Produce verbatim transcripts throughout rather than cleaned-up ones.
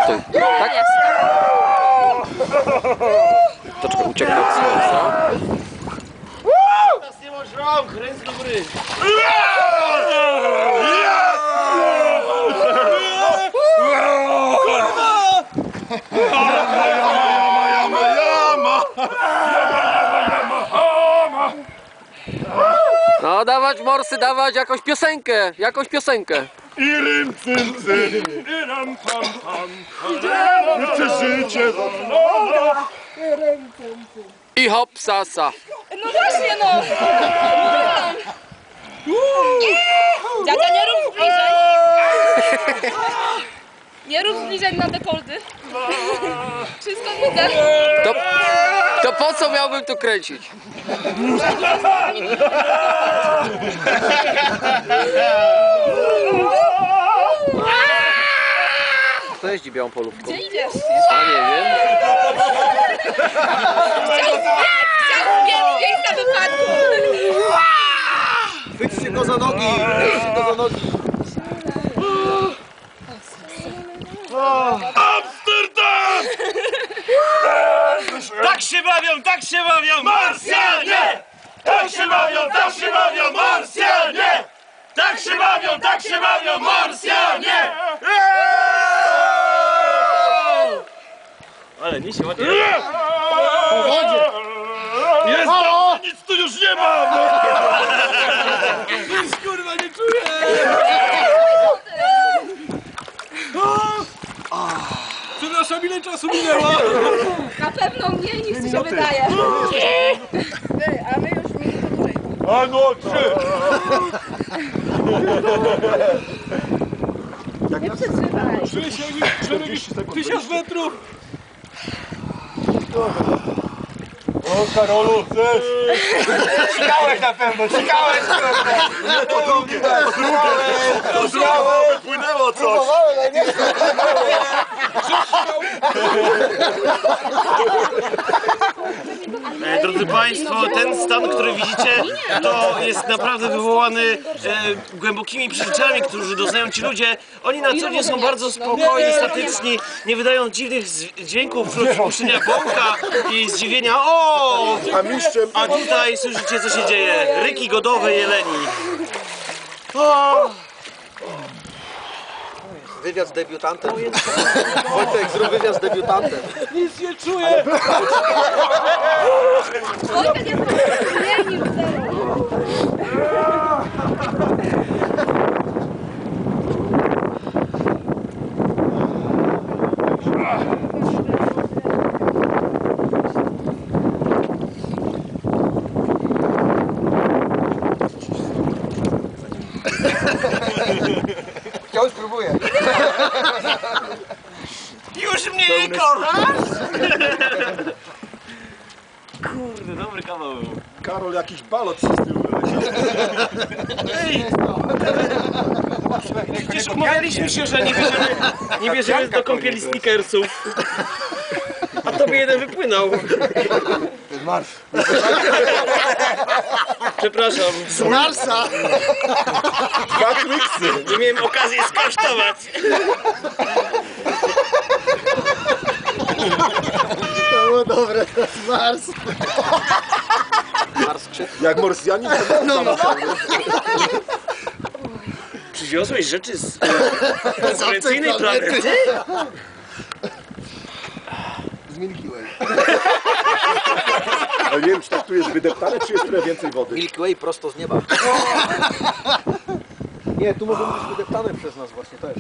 Stój. Tak? Troszkę uciekł od słońca. Teraz nie masz rąk, ręce do góry. No dawać morsy, dawać jakąś piosenkę, jakąś piosenkę. I rym, cym, cym, i ram, pam, pam, chcę życie wolno. I hop, sasa. No właśnie no! Dziadka, nie rób zbliżeń! Nie rób zbliżeń na dekoldy. Wszystko widzę. To, to po co miałbym tu kręcić? Kto jeździ białą polówką? Gdzie idziesz? A nie wiem. Chciałbym mieć miejsca wypadku! Chwyćcie go za nogi! Chwyćcie go za nogi! Amsterdam! Tak się bawią, tak się bawią! Marsjanie! Tak się bawią, tak się bawią, Marsjanie! Tak się bawią, tak się bawią, Marsjanie! Ale nie się ładnie. Po wodzie! Jest tam, nic tu już nie mam! Nic kurwa nie czuję! Przepraszam, ile czasu minęło? Na pewno mniej niż ci się wydaje. Ty, a my już minutę dłużej. A no, trzy! Nie przetrzymaj. Czuję się jak tysiąc metrów! O, Karolu, chcesz? Cikałeś na pewno, cikałeś! Nie, to drugie, to drugie! To drugie, bo wypłynęło coś! E, drodzy Państwo, ten stan, który widzicie, to jest naprawdę wywołany e, głębokimi przeżyciami, którzy doznają ci ludzie. Oni na co dzień są bardzo spokojni, statyczni, nie wydają dziwnych z- dźwięków wśród spuszczenia bąka i zdziwienia. O! A mistrzem... A tutaj słyszycie, co się dzieje. Ryki godowe jeleni. O! Wywiad z debiutantem. Wojtek, zrób wywiad z debiutantem. Nic nie czuję! Wojtek jest zmienił zero. Wciąż próbuję. Już mnie nie kochasz? Kurde, dobry kawał. Karol, jakiś balot się z tyłu wyleciał. Ej! Przecież umawialiśmy się, że nie bierzemy, nie bierzemy do kąpieli sneakersów. A tobie jeden wypłynął. Marsz. Przepraszam. Z Marsa! Dwa twiksy. Nie miałem okazji skosztować. To było dobre, to jest Mars. Mars krzyk. Jak Morsjanin, to no, no. Przywiozłeś rzeczy z e, konkurencyjnej planety? Z Milky Way. Ale nie wiem, czy tak tu jest wydeptane, czy jest trochę więcej wody. Milky Way prosto z nieba. Nie, tu może być wydeptane przez nas właśnie też.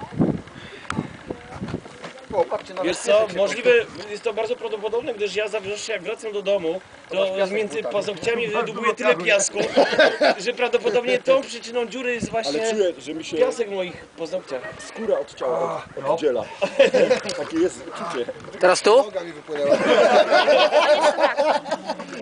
O, patrzcie na Wiesz co, możliwe, jest to bardzo prawdopodobne, gdyż ja zawsze jak wracam do domu, to między paznokciami wydubuje tyle piasku, że prawdopodobnie tą przyczyną dziury jest Ale właśnie czuję, że mi się piasek w moich paznokciach. skóra od ciała oddziela. Takie jest czucie. Teraz tu? Noga mi wypłynęła.